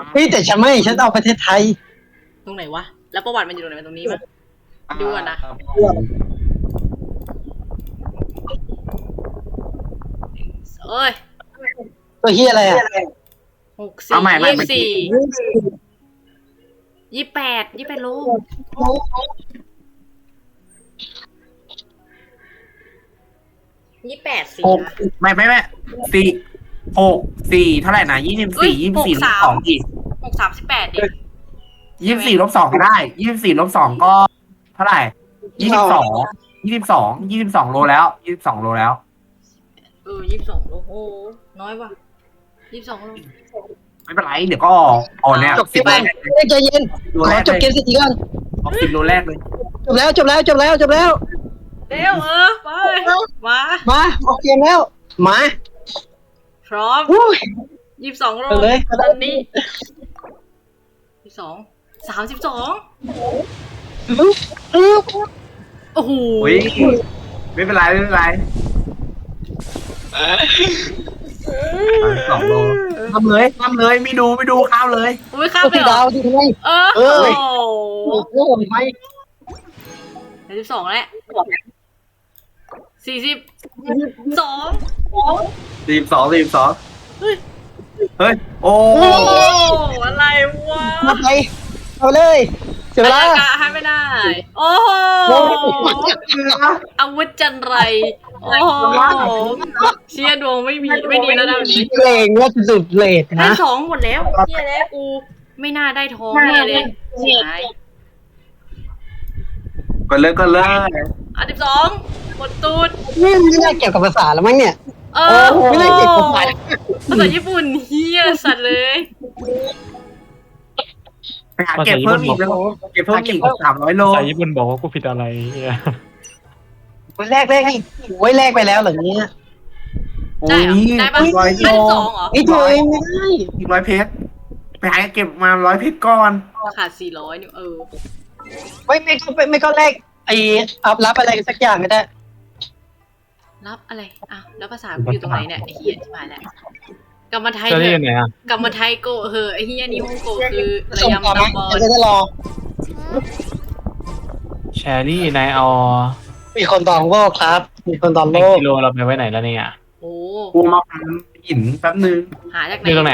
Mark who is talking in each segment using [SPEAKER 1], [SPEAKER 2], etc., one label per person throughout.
[SPEAKER 1] เฮ้ยแต่ฉันไม่ฉันเอาประเทศไทย
[SPEAKER 2] ตรงไหนวะแล้วประวัติมันอยู่ตรงไหนตรงนี้มั้ยดูก่อนนะเอ้ย
[SPEAKER 1] ตัวเฮียอะไรอ่ะ
[SPEAKER 2] 28โล28สินะ
[SPEAKER 3] ไม่4 6 4เท่าไหร่นะ24 24 ลบ 2อีก
[SPEAKER 2] 6 38ดิ
[SPEAKER 3] 24 ลบ 2ก็ได้24 ลบ 2ก็เท่าไหร่22 โลแล้ว22 โลแล้ว
[SPEAKER 2] 22โลโอ้น้อยว่ะ22 โล
[SPEAKER 3] ไม่เป็นไรเดี๋ยวก็ออกเนี่ย
[SPEAKER 1] จบเกมใจเย็นขอจบเกมสิก่อน
[SPEAKER 3] ออก10 โลแรกเลย
[SPEAKER 1] จบแล้ว
[SPEAKER 2] เร็วไป
[SPEAKER 1] มาออกเกมแล้วมา
[SPEAKER 2] พร้อม22 โล
[SPEAKER 1] เลย
[SPEAKER 2] ตอนนี้32 โอ้โห
[SPEAKER 3] ไม่เป็นไร2 โลทำเลยไม่ดูข้ามเลย
[SPEAKER 2] ข้ามไป
[SPEAKER 1] ดาวดิทำไม
[SPEAKER 2] โอ้
[SPEAKER 1] โหไม่
[SPEAKER 2] 32แล้ว
[SPEAKER 3] 42เฮ้ยโอ้
[SPEAKER 2] อะไรวะ
[SPEAKER 1] ไปเอาเลยเสียเวลา
[SPEAKER 2] ให้ไม่ได้โอ้โหอาวุธจันไรโอ้โหเชียดวงไม่ดีแล้วนะวันนี้
[SPEAKER 1] เลงว่าสุดเลทนะ
[SPEAKER 2] ได้2หมดแล้วเชียแล้วกูไม่น่าได้ทองแน่เลยใช่
[SPEAKER 3] ก็เลย
[SPEAKER 2] 12หมดตูด
[SPEAKER 1] ไม่ได้เกี่ยวกับภาษาแล้วมั้งเนี่ยไม่ได้เกี่ยวกับภา
[SPEAKER 2] ษาญี่ปุ่นเฮียสัตว์เลย
[SPEAKER 3] ไปหาเก็บเพิ่มอีกแล้วเก็บเพิ่มอีก300 โล
[SPEAKER 4] ภาษาญี่ปุ่นบอกว่ากูผิดอะไร
[SPEAKER 1] แรกให้โอ้ยแรกไปแล้วเหรอเนี้ย
[SPEAKER 2] ได้ปะได้2เหรอ
[SPEAKER 1] ไม่ถูกไม่ได้
[SPEAKER 3] 100 เพชรไปหาเก็บมา100 เพชรก่อน
[SPEAKER 2] ขาด400นี่
[SPEAKER 1] ไม่ก็แรกไอ้รับอะไรสักอย่างก็ได้
[SPEAKER 2] รับอะไรแล้วภาษาอยู่ตรงไหนเนี่ยไอ้เฮียที่มาแล้วกรรมไทยกรรมไทยโกไอ้เฮียนี่ฮ่องโกคือระยำตะบอล
[SPEAKER 1] จะรอ
[SPEAKER 4] แชรี่นายเอา
[SPEAKER 1] มีคนตองโลกครับมีคนตองโลก
[SPEAKER 4] กิโลเราไปไว้ไหนแล้วเนี่ย
[SPEAKER 2] โอ้
[SPEAKER 3] กูมาพันหินแป๊บนึง
[SPEAKER 2] หาจากไหน
[SPEAKER 4] ตรงไหน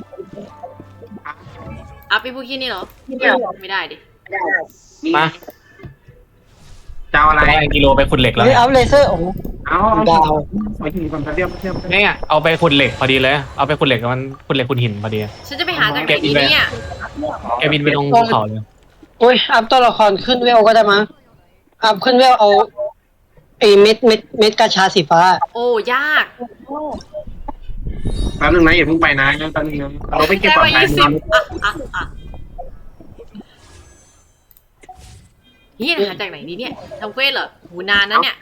[SPEAKER 2] อัพไปพวกขี้นี่เหรอไม่ได้ดิ
[SPEAKER 4] มา
[SPEAKER 3] จะเอาอะไร
[SPEAKER 4] กิโลไปขุดเหล็กแล้ว
[SPEAKER 1] เอาเลเซอร์โอ้
[SPEAKER 3] เอาดาวไปถึงก่อนเทียบ
[SPEAKER 4] เนี่ยเอาไปขุดเหล็กพอดีเลยเอาไปขุดเหล็กมันขุดเหล็กขุดหินพอดี
[SPEAKER 2] ฉันจะไปหาจากไหนดีเนี่ย
[SPEAKER 4] แกบินไปลงภูเขาเลย
[SPEAKER 1] โอ้ยอัพตัวละครขึ้นเวลก็ได้มั้งอัพขึ้นเวลเอาไอ้เม็ดกระชาสีฟ้า
[SPEAKER 2] โอ้ยาก
[SPEAKER 3] แป๊บนึงนะอย่าเพิ่งไปนะแป๊บนึงนะเราไปเก็บก่อนไป
[SPEAKER 2] นี่หาจากไหนดีเนี่ยทำเควสเหรอหูนานนะเนี่ย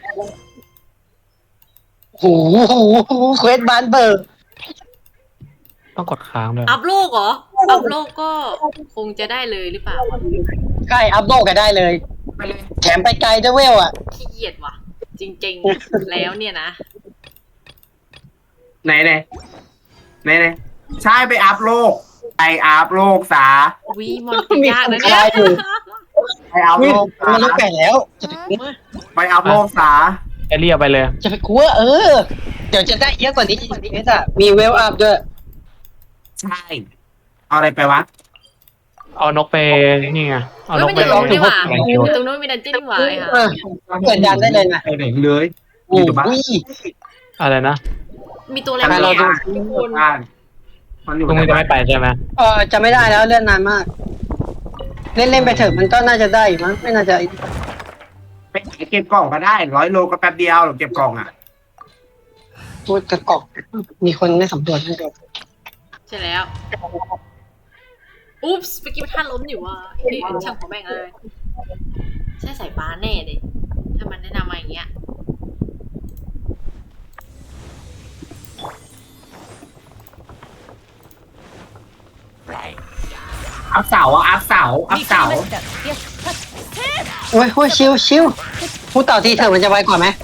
[SPEAKER 1] โหเควสบานเบอร์
[SPEAKER 4] ต้องกดค้างเลย
[SPEAKER 2] อัพโลกเหรออัพโลกก็คงจะได้เลยหรือเปล่า
[SPEAKER 1] ใช่อัพโลกก็ได้เลยแถมไปไกลด้วยเวลอ่ะ
[SPEAKER 2] ขี้เกียจว่ะจริงๆแล้วเนี่ยนะ
[SPEAKER 3] ไหนใช่ไปอัพโลกอัพโลกซะ
[SPEAKER 2] วิมอนติดยากนะเนี่ย
[SPEAKER 3] ไปอัพโลก
[SPEAKER 1] มันต้องแก่แล้ว
[SPEAKER 3] ไปอัพโลกซะ
[SPEAKER 4] เรียกไปเลย
[SPEAKER 1] จะไปกลัวเดี๋ยวจะได้เยอะกว่านี้มีเวลอัพด้วย
[SPEAKER 3] ใช่เอาอะไรไปวะ
[SPEAKER 4] เอานกไปนี่ไง
[SPEAKER 2] เอานกไปลองดีกว่าตรงนู้นมีดันเจี้ยนหวายค่ะ
[SPEAKER 1] เปิดดันได้เลยนะ
[SPEAKER 3] ไปไหนเลยอยู่บ้าน
[SPEAKER 4] อะไรนะ
[SPEAKER 2] มีตัวอะไรเราดู
[SPEAKER 4] ตรงนี้จะไม่ไปใช่ไหม
[SPEAKER 1] จะไม่ได้แล้วเลื่อนนานมากเล่นไปเถอะมันก็น่าจะได้มั้งไม่น่าจะ
[SPEAKER 3] ไปเก็บกล่องก็ได้100 โลก็แป๊บเดียวเก็บกล่อง
[SPEAKER 1] พูดกระกอกมีคนไม่สำรวจให้ดู
[SPEAKER 2] ใช่แล้วอุ๊บส์เมื่อกี้ท่านล้มอยู่ว่ะนี่ช่างของแม่งเลยใช่สายฟ้าแน่เลยถ้ามันแนะนำมาอย่างเงี้ย
[SPEAKER 3] อัพเสา
[SPEAKER 1] โอ้ยชิวพูดต่อทีเถอะมันจะไวกว่าไหม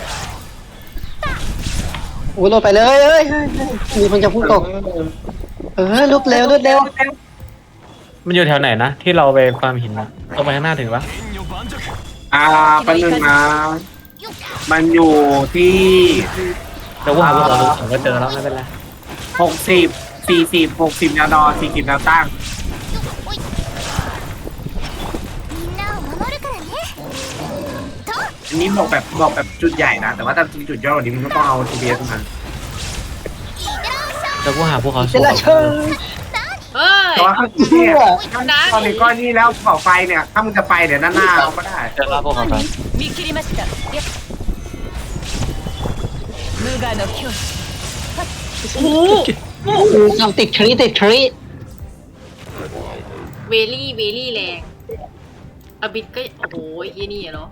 [SPEAKER 1] โอ้โหลดไปเลยมีคนจะพูดตกลุกเร็วลุกเร็ว
[SPEAKER 4] มันอยู่แถวไหนนะที่เราไปฟาร์มหินนะตรงไปข้างหน้าถึงปะ
[SPEAKER 3] แป๊บนึงนะมันอยู่ที่
[SPEAKER 4] เดี๋ยวกูหาพวกเราดูผมก็เจอแล้วไม่เป็นไร
[SPEAKER 3] 60 40 60แนวดอ40แนวตั้ง อันนี้บอกแบบจุดใหญ่นะ แต่ว่าถ้าจุดย่อกว่านี้มันก็ต้องเอา GPS มา
[SPEAKER 4] เดี๋ยวกูหาพวกเขา
[SPEAKER 1] เจราเชิง
[SPEAKER 2] เฮ้ย
[SPEAKER 3] แต่ว่าเนี่ยตอนนี้ก้อนนี้แล้วเสาไฟเนี่ย ถ้ามึงจะไปเดี๋ยวด้านหน้าเราก็ได้
[SPEAKER 4] เจอแล้วพวกเขาไป
[SPEAKER 5] 見切りました無我の境地
[SPEAKER 2] โอ้โห
[SPEAKER 1] ทำติดทรีติดทรี
[SPEAKER 2] เวลี่แรงอบิดก็โอ้โหไอ้เหี้ยนี่เหรอ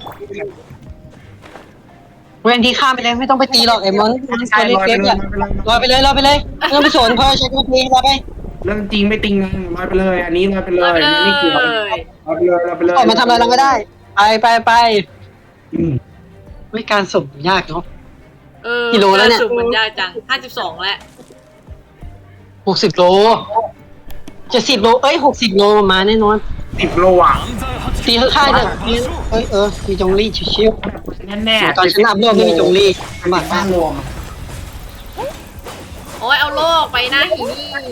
[SPEAKER 1] เว้นที่ข้ามไปเลยไม่ต้องไปตีหรอกไอ้มอน
[SPEAKER 3] ใช่
[SPEAKER 1] ตัวเล็กๆอะรอไปเลยไม่ต้องไปสนเพราะใช้กระพีรอไป
[SPEAKER 3] เรื่องจริงไม่ติงลอยไปเลย อันนี้ลอยไปเล
[SPEAKER 2] เอา
[SPEAKER 3] ย
[SPEAKER 2] ไปเล
[SPEAKER 3] ไม่เกี่ยวย ลอยไปเลย
[SPEAKER 1] ออกมาทำอะไรเราก็ได้ ไป
[SPEAKER 3] อืม
[SPEAKER 1] ไม่การสุ่มยากเนาะ
[SPEAKER 2] กิ
[SPEAKER 1] กิโลแล้วเนี่ย
[SPEAKER 2] สุดมันยากจัง52แล้ว
[SPEAKER 1] 60 โล70 โล60 โลมาแน่นอน
[SPEAKER 3] 10 โลอ่ะ
[SPEAKER 1] ตีข้างๆเนี่ยมีจงลี่ชิว
[SPEAKER 3] แน่
[SPEAKER 1] ๆตอนฉันอัพโลกไม่มีจงลี่ลำบากมาก
[SPEAKER 3] รวม
[SPEAKER 2] โอ้ยเอาโลกไปนะหี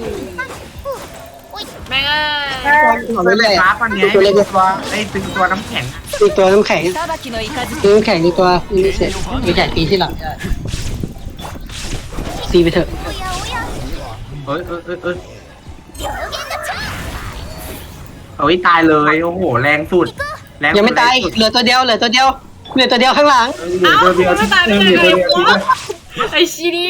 [SPEAKER 2] แม่งเอ้ย
[SPEAKER 1] เอาไปเลย
[SPEAKER 3] กราฟอันนี้ตัวน้ำแข็ง
[SPEAKER 1] ตีตัวน้ำแข็ง
[SPEAKER 5] 裁きの雷
[SPEAKER 1] ตีน้ำแข็งตีตัวนี่เสร็จมีแต่ตีที่หลังได้ตีไปเถอะ
[SPEAKER 3] เอ้ยตายเลยโอ้โหแรงสุด
[SPEAKER 1] ยังไม่ตายเหลือตัวเดียวข้างหลัง
[SPEAKER 2] เอ้า
[SPEAKER 3] เดียว
[SPEAKER 2] ไม่ตายได้ไง
[SPEAKER 3] เดียว
[SPEAKER 2] ไอ้ชีนี่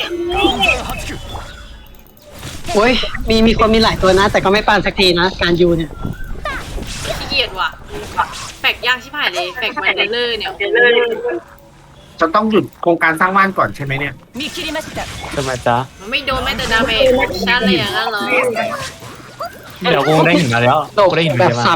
[SPEAKER 1] โอ้ยมีคนมีหลายตัวนะ แต่ก็ไม่ปานสักทีนะการยูเนี่ย
[SPEAKER 2] ขี้เกียจว่ะแฟกยากชิบหายเลยแฟกมันเลอร์เนี่ย
[SPEAKER 3] จะต้องหยุดโครงการสร้างบ้านก่อนใช่ไหมเนี่ย
[SPEAKER 5] 見切りました
[SPEAKER 4] ทำไมจ๊ะ
[SPEAKER 2] มันไม่โดนแม้แต่ดาเมจชั้นเลยอย่างนั้นเหรอ
[SPEAKER 4] เดี๋ยวกูได้หินมาแล้ว
[SPEAKER 1] โด
[SPEAKER 4] กูได้หิน
[SPEAKER 1] แบบ
[SPEAKER 4] เยอะมาก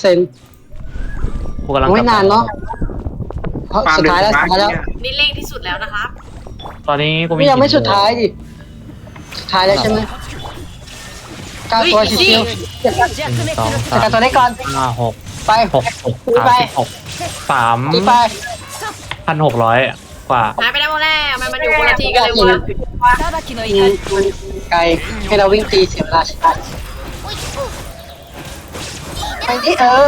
[SPEAKER 1] 300%
[SPEAKER 4] กูกำลัง
[SPEAKER 1] ไม่นานเนาะเพราะสุดท้ายแล้ว
[SPEAKER 2] นี่เร่งที่สุดแล้วนะครับ
[SPEAKER 4] ตอนนี้กูมี
[SPEAKER 1] นี่ยังไม่สุดท้ายดิสุดท้ายแล้วใช่ไหม9 ตัวชิว
[SPEAKER 5] 弱滅
[SPEAKER 4] สอง
[SPEAKER 1] ๆ
[SPEAKER 4] สา
[SPEAKER 1] แต่
[SPEAKER 4] ม
[SPEAKER 1] ตัวได้ก่อน
[SPEAKER 4] ห้าหก
[SPEAKER 1] ไป
[SPEAKER 4] 36
[SPEAKER 1] ตีไป
[SPEAKER 4] 3,600 กว่า
[SPEAKER 2] หายไปได้หมดแล้วมันอยู่คนละทีกันเลยวะ
[SPEAKER 5] 裁きの
[SPEAKER 1] มัน
[SPEAKER 5] 雷
[SPEAKER 1] ไกลให้เราวิ่งตีเสียเวลาใช่ไหมไปดิ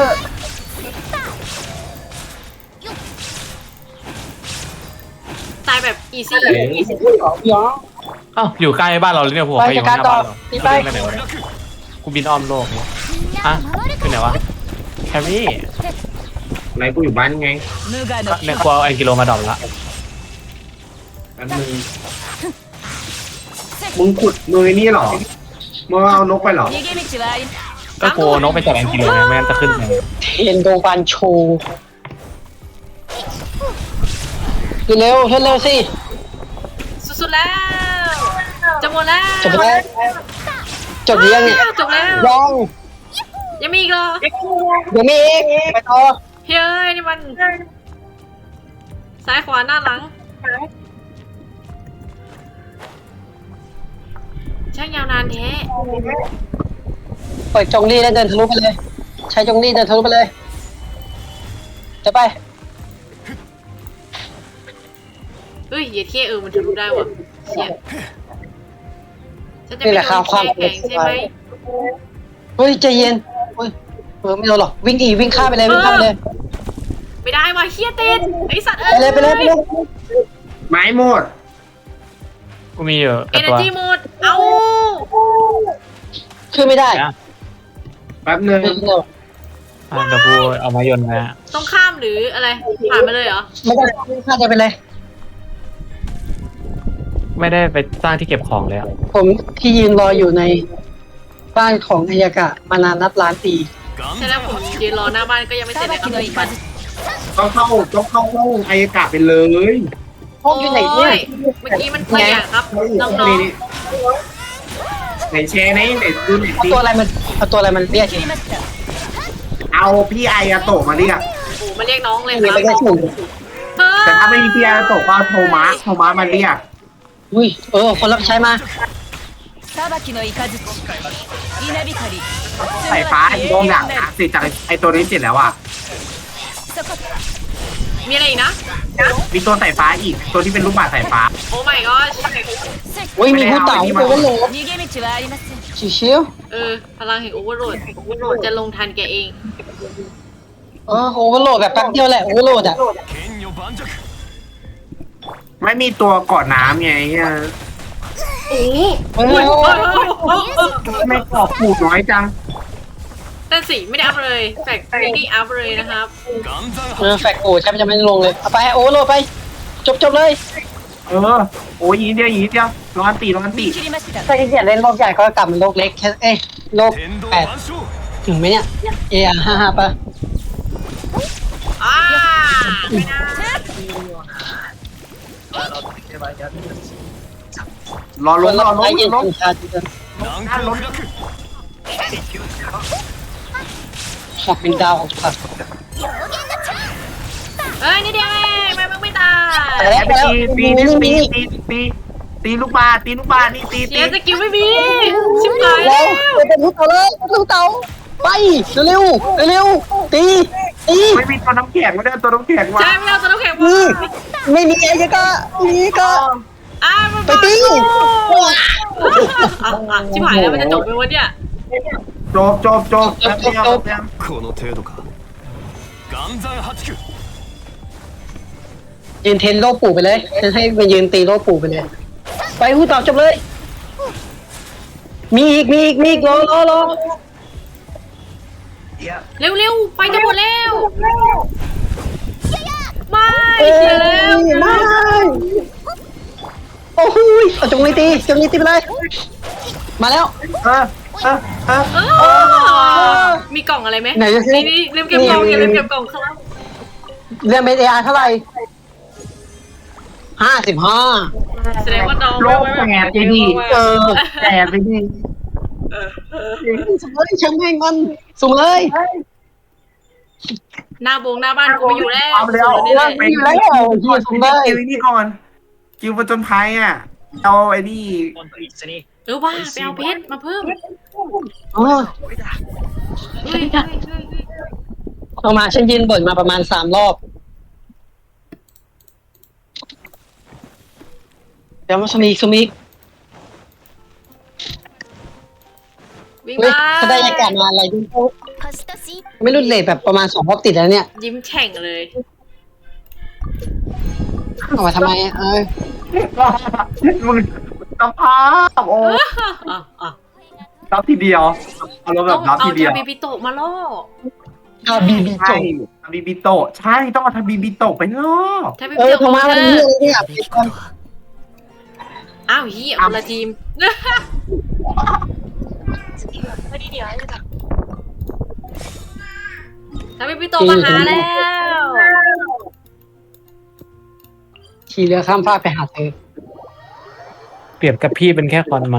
[SPEAKER 2] ตายแบบอีซี่
[SPEAKER 4] อ้าวอยู่ใกล้บ้านเราเลยเนี่ยพวก
[SPEAKER 1] ไป
[SPEAKER 4] ใครอยู่
[SPEAKER 1] จัด
[SPEAKER 4] ห
[SPEAKER 1] การ
[SPEAKER 4] น้า
[SPEAKER 1] ต่อ
[SPEAKER 4] บ้านเรา
[SPEAKER 1] ตีไป
[SPEAKER 4] กูเล่นไปไหนวะเนี่ยกูบินอ้อมโลกเนี่ยอ่ะคือไหนวะแคมมี่
[SPEAKER 3] ไหนกูอยู่บ้านไง
[SPEAKER 5] 無我の
[SPEAKER 4] ใน
[SPEAKER 5] 境
[SPEAKER 4] ครัวเอาไอกิโลมาดรอปละ
[SPEAKER 3] แป๊บนึงมึงขุดมือนี่หรอมึงเอานกไปหรอ
[SPEAKER 5] 地逃げ道はあり
[SPEAKER 4] ก็กลัวนกไปจับไอกิโลไงไม่งั้นจะขึ้นไง
[SPEAKER 1] เทนโดบันโชว์เร็วสิ
[SPEAKER 2] สุดๆแล้วจะหมดแล้ว
[SPEAKER 1] จบแล้วจบหรือยังเนี่ย
[SPEAKER 2] จบแล้ว
[SPEAKER 1] ยัง
[SPEAKER 2] ยังมีอีกเหรอ
[SPEAKER 1] ยังมีอีกไปต่อ
[SPEAKER 2] เฮ้ยนี่มันซ้ายขวาหน้าหลังช่างยาวนานแท้
[SPEAKER 1] เปิดจงลี่แล้วเดินทะลุไปเลย ใช้จงลี่เดินทะลุไปเลย จะไป
[SPEAKER 2] เฮ้ยเหยียดเท่มันทะลุได้ว่ะเชี่ยฉันจะ
[SPEAKER 1] นี่
[SPEAKER 2] ไม่
[SPEAKER 1] แหละ
[SPEAKER 2] โด
[SPEAKER 1] ครับ
[SPEAKER 2] น
[SPEAKER 1] ความ
[SPEAKER 2] แข็งใช่ไหม
[SPEAKER 1] เฮ้ยใจเย็นเฮ้ยไม่โดนหรอกวิ่งวิ่งข้ามไปเลยวิ่งข้ามไปเลย
[SPEAKER 2] ไม่ได้ว่ะเฮียติดไอสัตว์
[SPEAKER 1] ไปเลย
[SPEAKER 3] ไม้หมด
[SPEAKER 4] กูมีอยู่
[SPEAKER 2] เอ
[SPEAKER 4] แต่
[SPEAKER 2] เน
[SPEAKER 4] ตัว
[SPEAKER 2] จีหมดเอา
[SPEAKER 1] ขึ้นไม่ได้
[SPEAKER 4] นะ
[SPEAKER 3] แป๊บนึง
[SPEAKER 4] เดี๋ยวกูเอามายนต์นะ
[SPEAKER 2] ต้องข้ามหรืออะไรผ่านไปเลยเหรอ
[SPEAKER 1] ไม่ได้วิ่งข้ามไปเลย
[SPEAKER 4] ไม่ได้ไปสร้างที่เก็บของเลยอะ
[SPEAKER 1] ผมที่ยืนรออยู่ในบ้านของอายากะมานานนับล้านปี
[SPEAKER 2] ใช่แล้วผมยืนรอหน้าบ้านก็ยังไม่เสร็จเลยครับ
[SPEAKER 5] 裁きの雷
[SPEAKER 3] ต้องเข้าห้องอายกาศไปเลย
[SPEAKER 1] ห้องอยู่ไหนเนี่ย
[SPEAKER 2] เมื่อกี้มันเปลี่ยนครับน้อง
[SPEAKER 3] ไหนแชร์ไหนดูไหน
[SPEAKER 1] เอา
[SPEAKER 3] สิ
[SPEAKER 1] ตัวอะไรมันเรียก
[SPEAKER 5] 切りました
[SPEAKER 3] เอาพี่ไออาโตะมาเรียก
[SPEAKER 2] ๆโอ้มาเรียกน้องเลยค
[SPEAKER 1] มี
[SPEAKER 2] รับ
[SPEAKER 1] ไปแค่สูง
[SPEAKER 3] แต่ถ้าไม่มีพี่ไออาโตะก็โทมัสมาเรียก
[SPEAKER 1] อุ้ยคนรับใช้มา
[SPEAKER 5] 裁きの雷稲光
[SPEAKER 3] สายฟ้าอีกทีหลังนะเสร็จจากไอตัวนี้เสร็จแล้วอ่ะ
[SPEAKER 5] そこ
[SPEAKER 2] มีอะไรอีกนะ
[SPEAKER 3] มีตัวสายฟ้าอีกตัวที่เป็นลูกบาศก์สายฟ้า
[SPEAKER 2] โอ้ my god
[SPEAKER 1] เฮ้ยมีผู้เต่าโอเวอร์โหลด
[SPEAKER 5] 逃げ道はありません
[SPEAKER 1] ชิว
[SPEAKER 2] พลังแห่งโอเวอร์โหลดจะลงทันแกเอง
[SPEAKER 1] ๆโอเวอร์โหลดแบบแป๊บเดียวแหละโอเวอร์โหลดอ่ะ
[SPEAKER 3] ไม่มีตัวเกาะน้ำไงเฮีย
[SPEAKER 2] โอ้โห
[SPEAKER 1] เฮ้ย
[SPEAKER 3] ไม่เกาะปูน้อยจัง
[SPEAKER 2] แต่สีไม่ได้อัพเลยแฟกไม่ได้อัพเลยนะครับ
[SPEAKER 1] แฟกโอ้แทบจะไม่ลงเลยเอาไปโอเวอร์โหลดไปจบเลย
[SPEAKER 3] โอ้ยอีกนิดเดียวร้อนตี
[SPEAKER 5] 切りました
[SPEAKER 1] ถ้าขี้เกียจเล่นโลกใหญ่ก็กลับมาโลกเล็กแค่โลก8ถึงไหมเนี่ย55ป่ะ
[SPEAKER 2] ไม่ได้
[SPEAKER 3] รอล้ม
[SPEAKER 1] ไอ้เย็นชาติขับเป็นดาวของสัตว์
[SPEAKER 2] เอ้ยนี่เดียวเองมันไม่ตาย
[SPEAKER 3] ไปตีลูกบาศก์นี่ตี
[SPEAKER 2] เสียสกิลไม่มีชิบหาย
[SPEAKER 1] แล้
[SPEAKER 2] แล้ว ว
[SPEAKER 1] เป็นลูกเต่าเลยลูกเต่าไปเร็วตี
[SPEAKER 3] ไม่มีตัวน้ำแข็งไม่ได้ตัวน้ำแข็งว่ะ
[SPEAKER 2] ใช่ไม่เอาตัวน้ำแข็งมา
[SPEAKER 1] ไม่มีไอ้ก็นี่ก็
[SPEAKER 2] มัน
[SPEAKER 1] ไปตี
[SPEAKER 2] ชิบหายแล้วมันจะจบไปวันเนี้ย
[SPEAKER 3] จบแป๊บเดียว
[SPEAKER 6] この程度か岩山八九
[SPEAKER 1] ยืนเทนโลปู่ไปเลยจะให้ไปยืนตีโลปู่ไปเลยไปหูต่อจบเลยมีอีกรอ
[SPEAKER 2] เร็วไปจะหมดแล้วไม่เสียแล้ว
[SPEAKER 1] ไม่โอ้โหจงตีไปเลยมาแล้ว
[SPEAKER 2] มีกล่องอะไรไหม
[SPEAKER 1] ไหนจะสิ
[SPEAKER 2] นี่ลืมเก็บกล่องอย่าลืมเก็บกล่องครับ
[SPEAKER 1] เรื่องเมดเท่าไหร่55
[SPEAKER 2] แสดงว่าน้อง
[SPEAKER 3] โลกแตกไปดิแตกไปดิ
[SPEAKER 1] สุ่มเลยช่างแม่งมันสุ่มเลย
[SPEAKER 2] หน้าบ้านกูไม่อยู่แล้ว
[SPEAKER 3] เอาแล้ว
[SPEAKER 2] นี่แหละ
[SPEAKER 3] ไปอยู่แล้วกิวนี่ก่อนกิวประจนภัยอ่ะเอาไอ้นี่
[SPEAKER 2] ว่าไปเอาเพชรมาเพิ่ม
[SPEAKER 1] อ๋อ
[SPEAKER 2] เฮ้ย
[SPEAKER 1] เอามาฉันยืนบ่นมาประมาณ3 รอบเดี๋ยวมาสุ่มอีก
[SPEAKER 2] วิ่ง
[SPEAKER 1] เฮ้ย
[SPEAKER 2] มา
[SPEAKER 1] เขาได้อากาศมาอะไรดูไม่รุนเลทแบบประมาณ2 รอบติดแล้วเนี่ย
[SPEAKER 2] ยิ้มแฉ่งเลย
[SPEAKER 1] เอามาทำไม
[SPEAKER 3] มึงสภาพโอ้รับทีเดียวเอาแล้วแบ
[SPEAKER 2] ต้
[SPEAKER 3] บ
[SPEAKER 2] อง
[SPEAKER 3] รับ
[SPEAKER 2] เอา
[SPEAKER 3] ทีเดียว
[SPEAKER 2] ทาบิบิโตะมาล่อ
[SPEAKER 1] เอาบีจ
[SPEAKER 3] ใช่
[SPEAKER 1] บ
[SPEAKER 3] ทำบีบิโตะใช่ต้องเอาทำบีบิโตะไปรอบ
[SPEAKER 2] ทาบิ
[SPEAKER 1] เอ
[SPEAKER 2] บิ
[SPEAKER 1] อ
[SPEAKER 2] โตะ
[SPEAKER 1] ทำมาวันนี้เลยเนี่ย
[SPEAKER 2] อ้าวเฮียคนละทีมทาบิบิโตะมาหาแล้ว
[SPEAKER 1] ขี่เรือข้ามฟากไปหาเธอ
[SPEAKER 4] เปรียบกับพี่เป็นแค่ขอนไม้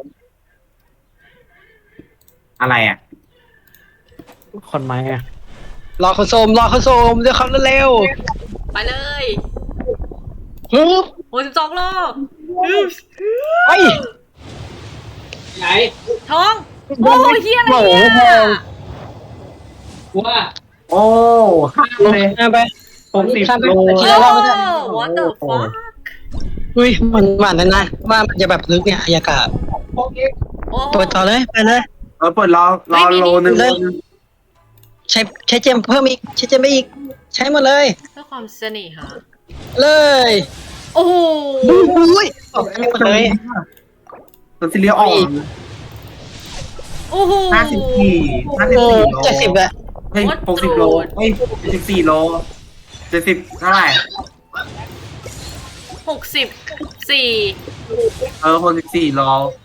[SPEAKER 3] อะไรอ่ะ
[SPEAKER 4] ขอนไม้อะ
[SPEAKER 1] รอเขาโซมเดี๋ยวเขาเร็ว
[SPEAKER 2] ไปเลย
[SPEAKER 1] ฮึบ
[SPEAKER 2] 62 โล
[SPEAKER 1] ไปไหน
[SPEAKER 2] ท้องโอ้ยเฮียอะไรเนี่ย
[SPEAKER 1] ว่า
[SPEAKER 3] โอ้ข้ามเลย
[SPEAKER 1] ไป
[SPEAKER 3] 60 โล
[SPEAKER 2] โอ้ what the fuck
[SPEAKER 1] อุ้ยมันหวานนะว่ามันจะแบบลึกเนี่ยอายากาศ
[SPEAKER 2] โอ้
[SPEAKER 1] เปิดต่อเลยไปเลย
[SPEAKER 3] เปิดรอโลนึง
[SPEAKER 1] ใช้เจมเพิ่มอีกใช้เจมไปอีก ใช้หมดเลย
[SPEAKER 2] เพื่อความเสน่หา
[SPEAKER 1] เลย
[SPEAKER 2] โอ้โห
[SPEAKER 1] อุ้ยใช้หมดเลย
[SPEAKER 3] ตัวซีเรียลออก
[SPEAKER 2] โอ้โห
[SPEAKER 3] 54
[SPEAKER 1] โอ้
[SPEAKER 3] โล
[SPEAKER 1] 70อะ
[SPEAKER 3] เฮ้ย60 โลเฮ้ย74 โล70เท่าไหร่
[SPEAKER 2] 64
[SPEAKER 3] 64 โล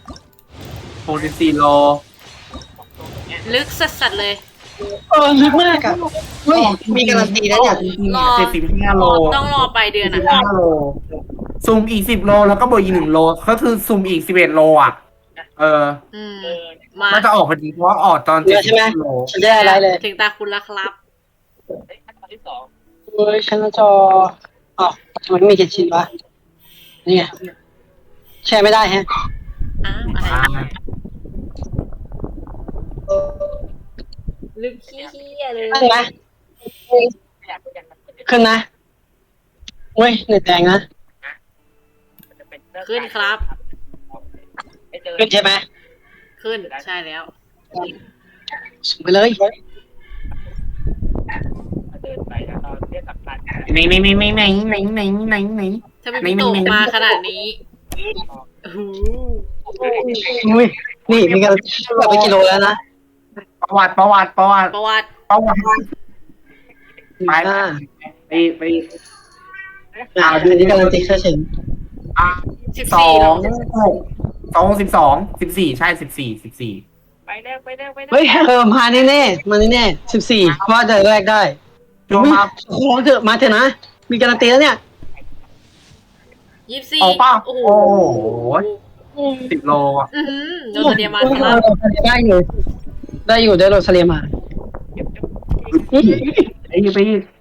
[SPEAKER 3] 64 โล
[SPEAKER 2] ลึกสัสๆเลย
[SPEAKER 1] ลึกมากอะเฮ้ยมีการันตีนะเนี่ย
[SPEAKER 3] 75 โล
[SPEAKER 2] ต้องรอไปเดือนนะ
[SPEAKER 3] 15 โลซูมอีก 10 โลแล้วก็บวกอีก 1 โลก็คือซูมอีก 11 โลอ่ะ
[SPEAKER 2] มา
[SPEAKER 3] น่าจะออกพอดีเพราะว่าออกตอน
[SPEAKER 1] เยอะใช่ไหม
[SPEAKER 3] 70 โล
[SPEAKER 1] ฉันได้อะไรเลย
[SPEAKER 2] ถึงตาคุณแล้วครับ
[SPEAKER 1] เฮ้ยฉันหน้าจออ๋อทำไมไม่มีเจ็ดชิ้นวะนี่ไงแชร์ไม่ได้ฮะ
[SPEAKER 2] อ้าวอะไร
[SPEAKER 3] อ่า
[SPEAKER 2] ลึกขี้เหี้ยเลย
[SPEAKER 1] ขึ้นนะขึ้นนะเว้ยเน็ตแดงนะ
[SPEAKER 2] ขึ้นครับ
[SPEAKER 1] ขึ้นใช่ไหม
[SPEAKER 2] ขึ้นใช่แล้ว
[SPEAKER 1] ส่งไปเลย
[SPEAKER 3] ไหน
[SPEAKER 2] ถ้าไม่มีตกมาขนาดนี้โอ้โห
[SPEAKER 1] อุ้ยนี่มีการแบบไปกิโลแล้วนะ
[SPEAKER 3] ประวัติ
[SPEAKER 2] ประวัติ
[SPEAKER 3] ไป
[SPEAKER 1] อันนี้การันตีแค่เฉย
[SPEAKER 2] สิบ
[SPEAKER 3] สอ
[SPEAKER 2] สี่
[SPEAKER 3] ง14ใช่14
[SPEAKER 1] เฮ้ยมาแน่ๆมาแน่ๆ14เพราะว่าจะแรกได้
[SPEAKER 3] โจมา
[SPEAKER 1] ขอเถอะมาเถอะนะมีการันตีแล้วเนี่ย
[SPEAKER 2] 24
[SPEAKER 3] ออกป่ะ
[SPEAKER 2] โอ้
[SPEAKER 3] โอ้
[SPEAKER 2] โห
[SPEAKER 3] โห10 โลอ่ะ
[SPEAKER 2] อือหือโดนเดียมาครับ
[SPEAKER 1] ได้อยู่ได้โรซาเลียมา
[SPEAKER 3] ไปอีก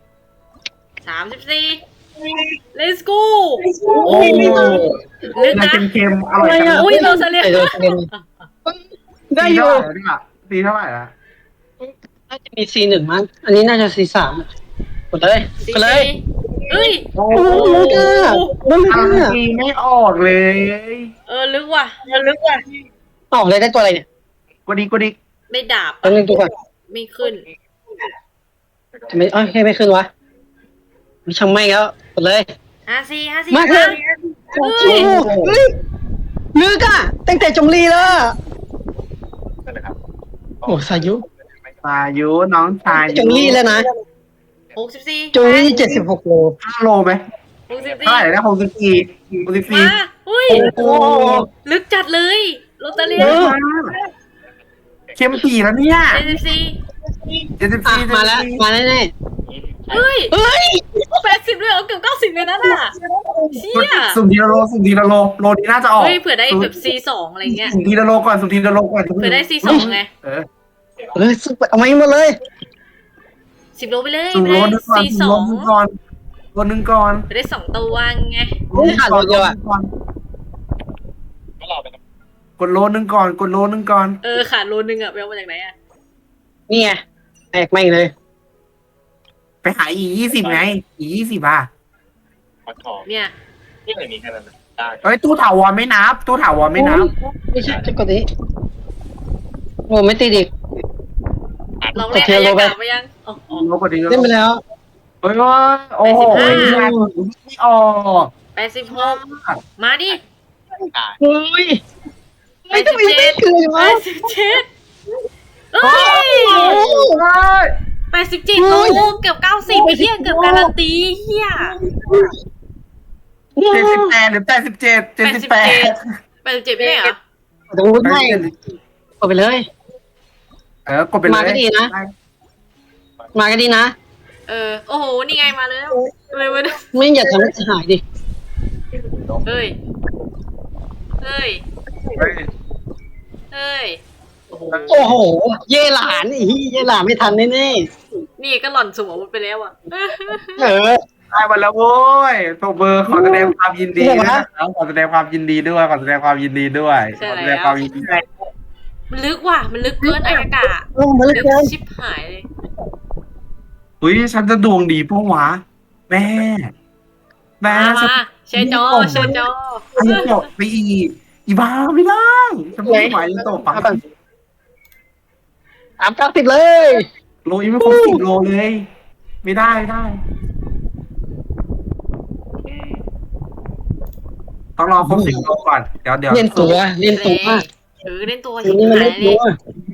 [SPEAKER 2] 34 let's go
[SPEAKER 3] โอ้
[SPEAKER 2] ลึกนะ
[SPEAKER 3] เค็มๆอร่อยจัง
[SPEAKER 2] อุ้ยโรซาเลีย
[SPEAKER 1] ได้โรซาเลียมาได้อยู่
[SPEAKER 3] ตีเท่าไหร่ละ
[SPEAKER 1] น่าจะมี C1 มั้งอันนี้น่าจะ C3 กดเลยกดเลย
[SPEAKER 2] เฮ้ย
[SPEAKER 3] โอ้
[SPEAKER 1] โอ้โหลึกอ่ะมันลึก
[SPEAKER 3] ทาง
[SPEAKER 1] อ่ะ
[SPEAKER 3] ตีไม่ออกเลย
[SPEAKER 2] ลึกว่ะ
[SPEAKER 1] ออกเลยได้ตัวอะไรเนี่ย
[SPEAKER 3] กดอีก
[SPEAKER 2] ได้ดาบ
[SPEAKER 1] ตัวนึงตัวก่อน
[SPEAKER 2] ไม่ขึ้น
[SPEAKER 1] ทำไมไม่ขึ้นวะมีช่างไม่แล้วกดเลย
[SPEAKER 2] 54
[SPEAKER 1] มาเถอะ โอ้โหเฮ้ยลึกอ่ะตั้งแต่จงลีแล้วอะโอ้สายุ
[SPEAKER 3] สายุน้องชาย
[SPEAKER 1] จงลีแล้วนะ
[SPEAKER 2] 64
[SPEAKER 1] จงลี76 โล
[SPEAKER 3] 5 โลไหมเท่าไหร่นะ64
[SPEAKER 2] มาอุ้ย
[SPEAKER 3] โอ้
[SPEAKER 2] ลึกจัดเลยโรตาเลีย
[SPEAKER 3] เข้มปีแล้วเนี่ย
[SPEAKER 2] 74
[SPEAKER 1] อ่ะมาแล้วมาแน่
[SPEAKER 2] เฮ้ย
[SPEAKER 1] ๆเฮ้ย
[SPEAKER 2] 80เลยเหรอเกือบ90เลยนะน่ะเชี่ย
[SPEAKER 3] สุ่มทีละโลโลนี้น่าจะออก
[SPEAKER 2] เฮ้ยเผื่อได้แบบ C2 อะไรเงี้ย
[SPEAKER 3] สุ่มทีละโลก่อน
[SPEAKER 2] เผื่อได้ C2 ไง
[SPEAKER 3] เออ
[SPEAKER 1] สุดเอามาให้หมดเลย
[SPEAKER 2] 10 โลไปเลย
[SPEAKER 3] สุ่ม
[SPEAKER 2] ไป
[SPEAKER 3] โล
[SPEAKER 2] เลย
[SPEAKER 3] นึงก่อน
[SPEAKER 2] C2
[SPEAKER 3] โลนึงก่อน
[SPEAKER 2] ไปได้2ตัวไง
[SPEAKER 3] กดโลนึงก่อน
[SPEAKER 2] ขาดโลนึงอะไปเอามาจากไหนอะ
[SPEAKER 1] นี่ไงแตกแม่งเลย
[SPEAKER 3] ไปหาE20ไงE20อ่ะ
[SPEAKER 2] เนี่ย
[SPEAKER 3] เอ้ยตู้ถาวรไม่นับ
[SPEAKER 1] ไม่ใช่จะกดนี้โอ้ไม่ติดอีก
[SPEAKER 2] เราเล่นอายากาศไปยังอ๋อ
[SPEAKER 3] โลกว่านี้
[SPEAKER 1] เล่นไปแล้ว
[SPEAKER 3] โอ้โหไม่ออก
[SPEAKER 2] 86มาดิ
[SPEAKER 1] โอ้ยไม่ทำไมไม่คืนวะ
[SPEAKER 2] 87เฮ้ย87โลเกือบ90เฮียเกือบการันตีเฮีย
[SPEAKER 3] 78หรือ87
[SPEAKER 2] 87ไม่ใช่เหรอ
[SPEAKER 1] แต่วุ้นไม่กดไปเลย
[SPEAKER 3] กดไปเลย
[SPEAKER 1] มาก็ดีนะ
[SPEAKER 2] โอ้โหนี่ไงมาแล้วเลยมาดู
[SPEAKER 1] ไม่อย่าทำให้เสียหายดิ
[SPEAKER 2] เฮ้ยโอ้โห
[SPEAKER 1] โอ้โห เย่หลานอีเย่หลานไม่ทันแน่
[SPEAKER 2] นี่ก็หล่อนสมองไปแล้วอ่ะ
[SPEAKER 1] ๆเออ
[SPEAKER 3] ได้มาแล้วโว้ยโทเบอร์ขอแสดงความยินดีนะครับขอแสดงความยินดีด้วย
[SPEAKER 2] มันลึกว่ะมันลึกเกินอายากาศ
[SPEAKER 1] ลงมาเลย
[SPEAKER 2] ลึก
[SPEAKER 1] เกิน
[SPEAKER 2] ชิบหายเลย
[SPEAKER 3] อุ้ยฉันจะดวงดีปะวะแม่
[SPEAKER 2] มาแชร์จอ
[SPEAKER 3] ฉันตกไปอีบ้าไม่ได้ฉันไม่ไหวจะตกปัง
[SPEAKER 1] 90เลย
[SPEAKER 3] โลยังไม่ครบ10 โลเลย ไม่ได้ต้องรอครบ10 โลก่อนเดี๋ยว
[SPEAKER 1] เล่นตัว
[SPEAKER 2] เล่นตัว
[SPEAKER 1] อั
[SPEAKER 2] ชิ
[SPEAKER 1] น
[SPEAKER 2] บ
[SPEAKER 1] นี้มัน
[SPEAKER 2] หา
[SPEAKER 1] เล่
[SPEAKER 2] ย
[SPEAKER 1] น
[SPEAKER 2] เล
[SPEAKER 1] ตั
[SPEAKER 2] ยว